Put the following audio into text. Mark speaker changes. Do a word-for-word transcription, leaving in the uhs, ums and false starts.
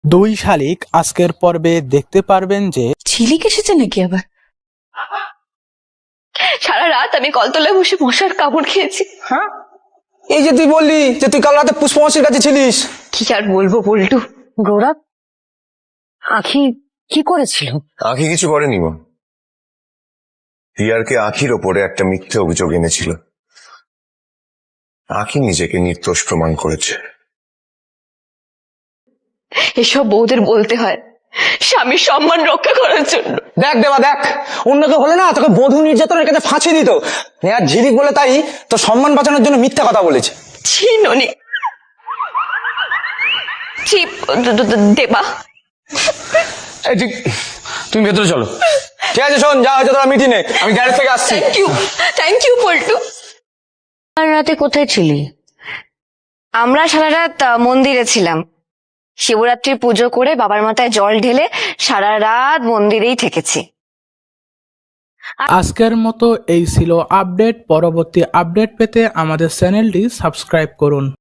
Speaker 1: দুই শালিক আজকের পর্বে দেখতে পারবেন যে
Speaker 2: ঝিলিক এসেছে নাকি আবার? সারা রাত আমি কলতলায় বসে মশার কামড় খেয়েছি।
Speaker 3: হ্যাঁ, এই যে তুই বললি যে তুই কাল রাতে পুষ্পমাসির কাছে ছিলিস।
Speaker 2: কি আর বলবো বল্টু।
Speaker 4: গৌরব, আখি কি করেছিল?
Speaker 5: আখি কিছু করেনি মা। রিয়ারকে আখির ওপরে একটা মিথ্যে অভিযোগ এনেছিল। আখি নিজেকে নির্দোষ প্রমাণ করেছে।
Speaker 2: এসব বউদের বলতে হয় স্বামীর সম্মান রক্ষা করার জন্য।
Speaker 3: দেখ দেবা দেখ, অন্য কেউ হলে না তোকে বধূ নির্যাতনের কাছে ফাঁসি দিত। আর ঝিলিক বলে তাই তোর সম্মান বাঁচানোর জন্য মিথ্যা কথা বলেছে।
Speaker 2: ছি ননি, ছি দেবা।
Speaker 3: এই ঠিক, তুমি ভেতরে চলো। ঠিক আছে শোন, যা হয়েছে তোরা মিটিনে, আমি গ্যারেজ থেকে আসছি।
Speaker 2: Thank you, thank you Boltu.
Speaker 4: আর রাতে কোথায় ছিলি?
Speaker 2: আমরা সারা রাত আহ, মন্দিরে ছিলাম। শিবরাত্রির পুজো করে বাবার মাথায় জল ঢেলে সারা রাত মন্দিরেই থেকেছি।
Speaker 1: আজকের মতো এই ছিল আপডেট। পরবর্তী আপডেট পেতে আমাদের চ্যানেলটি সাবস্ক্রাইব করুন।